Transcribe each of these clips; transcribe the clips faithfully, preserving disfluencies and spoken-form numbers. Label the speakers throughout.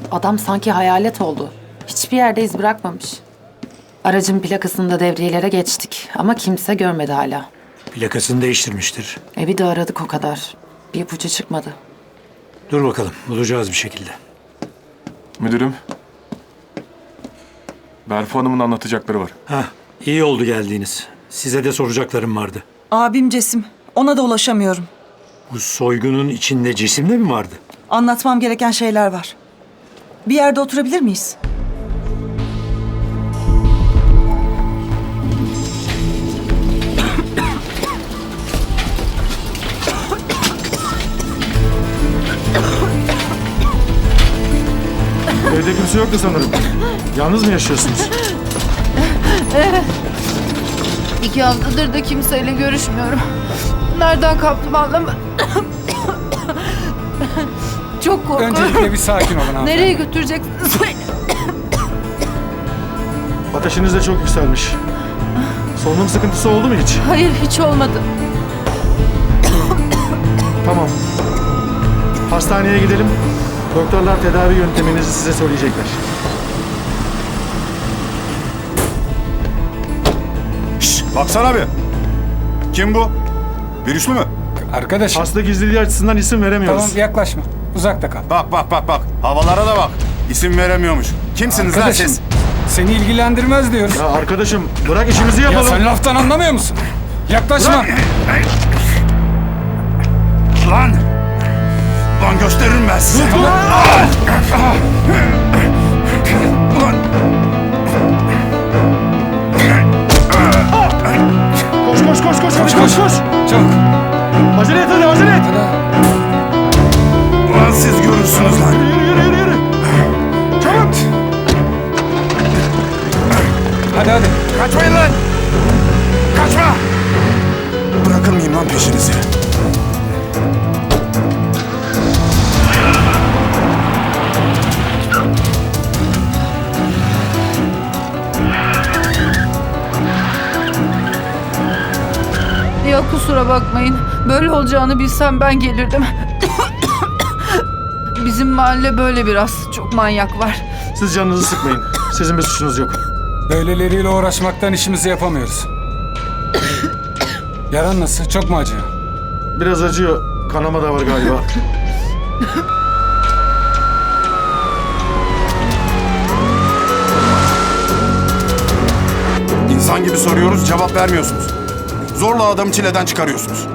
Speaker 1: Adam sanki hayalet oldu. Hiçbir yerde iz bırakmamış. Aracın plakasını da devriyelere geçtik ama kimse görmedi hala.
Speaker 2: Plakasını değiştirmiştir.
Speaker 1: Evi de aradık o kadar. Bir ipucu çıkmadı.
Speaker 2: Dur bakalım, bulacağız bir şekilde.
Speaker 3: Müdürüm. Berfu Hanım'ın anlatacakları var.
Speaker 2: Hah, iyi oldu geldiğiniz. Size de soracaklarım vardı.
Speaker 4: Abim Cesim. Ona da ulaşamıyorum.
Speaker 2: Bu soygunun içinde cisim de mi vardı?
Speaker 4: Anlatmam gereken şeyler var. Bir yerde oturabilir miyiz?
Speaker 5: Evde kimse yoktu sanırım. Yalnız mı yaşıyorsunuz?
Speaker 6: Evet. İki haftadır da kimseyle görüşmüyorum. Nereden kaptım anlamadım. Çok korkuyorum.
Speaker 7: Öncelikle bir sakin olun hanımefendi.
Speaker 6: Nereye götüreceksiniz beni?
Speaker 5: Ateşiniz de çok yükselmiş. Solunum sıkıntısı oldu mu hiç?
Speaker 6: Hayır, hiç olmadı.
Speaker 5: Tamam. Hastaneye gidelim. Doktorlar tedavi yönteminizi size söyleyecekler.
Speaker 8: Şşş, baksana bir. Kim bu? Virüslü mü?
Speaker 7: Arkadaşım,
Speaker 5: Hasta gizliliği açısından isim veremiyoruz.
Speaker 7: tamam yaklaşma. Uzakta kal.
Speaker 8: Bak bak bak bak. Havalara da bak. İsim veremiyormuş. Kimsiniz lan
Speaker 7: Arkadaşım,
Speaker 8: siz?
Speaker 7: seni ilgilendirmez diyoruz.
Speaker 5: Ya arkadaşım bırak işimizi
Speaker 7: Ya
Speaker 5: yapalım.
Speaker 7: sen laftan anlamıyor musun? Yaklaşma.
Speaker 8: Lan! Lan gösteririm ben size.
Speaker 7: Tamam.
Speaker 8: Ulan!
Speaker 5: Koş koş koş koş
Speaker 7: Koş,
Speaker 5: koş koş
Speaker 7: koş.
Speaker 5: koş.
Speaker 7: Çabuk.
Speaker 5: Acele et hadi acele et.
Speaker 7: Hadi.
Speaker 8: Ulan siz görürsünüz lan.
Speaker 5: Yürü yürü yürü yürü. Çabuk.
Speaker 7: Hadi hadi.
Speaker 8: Kaçmayın lan! Kaçma! Bırakır mıyım lan peşinizi?
Speaker 6: Ya kusura bakmayın. Böyle olacağını bilsem ben gelirdim. Bizim mahalle böyle biraz. Çok manyak var.
Speaker 5: Siz canınızı sıkmayın. Sizin bir suçunuz yok.
Speaker 7: Böyleleriyle uğraşmaktan işimizi yapamıyoruz. Yaran nasıl? Çok mu acıyor?
Speaker 5: Biraz acıyor. Kanama da var galiba.
Speaker 8: İnsan gibi soruyoruz, cevap vermiyorsunuz. Zorla adamı çileden çıkarıyorsunuz.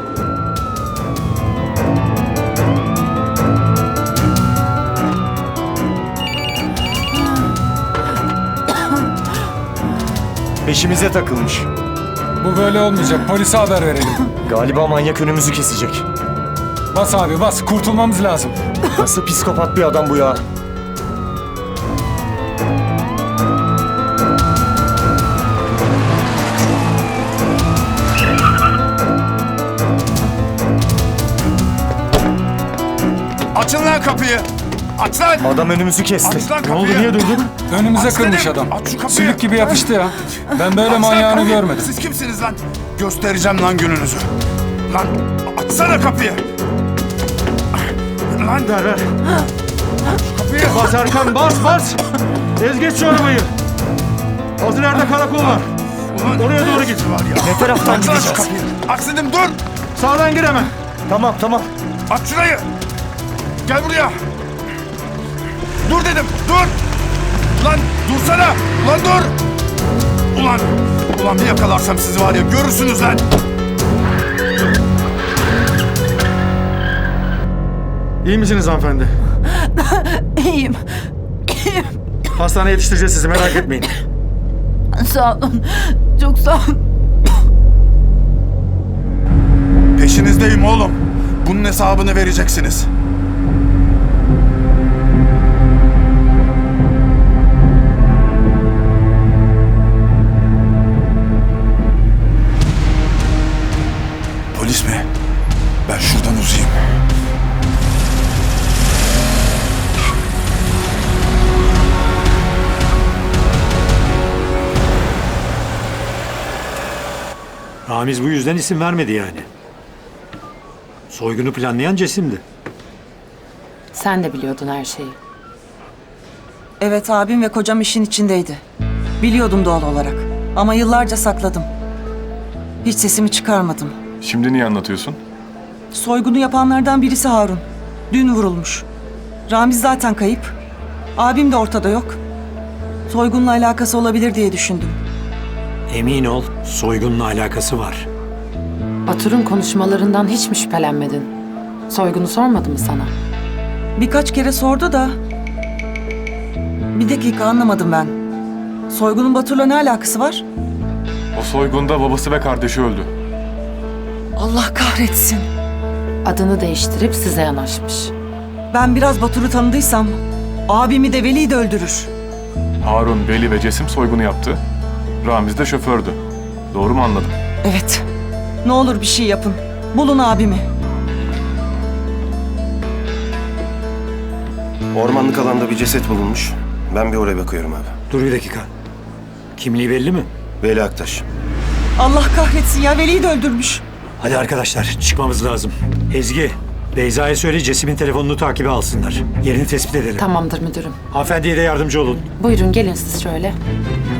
Speaker 9: Peşimize takılmış.
Speaker 7: Bu böyle olmayacak. Polise haber verelim.
Speaker 9: Galiba manyak önümüzü kesecek.
Speaker 7: Bas abi bas. Kurtulmamız lazım.
Speaker 9: Nasıl psikopat bir adam bu ya?
Speaker 8: Açın lan kapıyı! Aç lan!
Speaker 9: Adam önümüzü kesti.
Speaker 8: Aç lan
Speaker 5: Ne
Speaker 8: kapıyı!
Speaker 5: oldu niye durdun?
Speaker 7: Önümüze
Speaker 8: Aç
Speaker 7: kırmış
Speaker 8: dedim,
Speaker 7: adam.
Speaker 8: aç şu kapıyı.
Speaker 7: Sülük gibi yapıştı ya. Ben böyle
Speaker 8: Aç lan
Speaker 7: manyağını
Speaker 8: kapıyı.
Speaker 7: görmedim.
Speaker 8: Siz kimsiniz lan? Göstereceğim lan gününüzü. Lan açsana kapıyı! Lan
Speaker 5: Ver ver.
Speaker 8: kapıyı!
Speaker 5: Bas Erkan bas bas. Ez geç şu arabayı. Az ileride karakol var.
Speaker 8: Ulan,
Speaker 5: Oraya doğru git.
Speaker 8: var ya.
Speaker 9: Ne taraftan
Speaker 8: Aç lan şu
Speaker 9: gideceğiz?
Speaker 8: kapıyı! Aç dedim dur!
Speaker 5: Sağdan gir hemen.
Speaker 9: Tamam tamam.
Speaker 8: Aç şurayı! Gel buraya! Dur dedim, dur! Lan dursana! Lan dur! Ulan, ulan bir yakalarsam sizi var ya görürsünüz lan!
Speaker 5: İyi misiniz hanımefendi?
Speaker 6: İyiyim.
Speaker 5: Hastaneye yetiştireceğiz sizi merak etmeyin.
Speaker 6: Sağ olun. Çok sağ olun.
Speaker 8: Peşinizdeyim oğlum. Bunun hesabını vereceksiniz. Polis mi? Ben şuradan uzayayım.
Speaker 2: Ramiz bu yüzden isim vermedi yani. Soygunu planlayan Cesim'di.
Speaker 1: Sen de biliyordun her şeyi.
Speaker 4: Evet, abim ve kocam işin içindeydi. Biliyordum doğal olarak. Ama yıllarca sakladım. Hiç sesimi çıkarmadım.
Speaker 3: Şimdi niye anlatıyorsun?
Speaker 4: Soygunu yapanlardan birisi Harun. Dün vurulmuş. Ramiz zaten kayıp. Abim de ortada yok. Soygunla alakası olabilir diye düşündüm.
Speaker 2: Emin ol, soygunla alakası var.
Speaker 1: Batur'un konuşmalarından hiç mi şüphelenmedin? Soygunu sormadı mı sana?
Speaker 4: Birkaç kere sordu da... Bir dakika, anlamadım ben. Soygunun Batur'la ne alakası var?
Speaker 3: O soygunda babası ve kardeşi öldü.
Speaker 4: Allah kahretsin.
Speaker 1: Adını değiştirip size yanaşmış.
Speaker 4: Ben biraz Batur'u tanıdıysam... Abimi de Veli'yi de öldürür.
Speaker 3: Harun, Veli ve Cesim soygunu yaptı. Ramiz de şofördü. Doğru mu anladım?
Speaker 4: Evet. Ne olur bir şey yapın. Bulun abimi.
Speaker 10: Ormanlık alanda bir ceset bulunmuş. Ben bir oraya bakıyorum abi.
Speaker 2: Dur bir dakika. Kimliği belli mi?
Speaker 10: Veli Aktaş.
Speaker 4: Allah kahretsin ya, Veli'yi de öldürmüş.
Speaker 2: Hadi arkadaşlar, çıkmamız lazım. Ezgi, Beyza'ya söyle Cesim'in telefonunu takibe alsınlar. Yerini tespit edelim.
Speaker 1: Tamamdır müdürüm.
Speaker 2: Hanımefendiye de yardımcı olun.
Speaker 1: Buyurun gelin siz şöyle.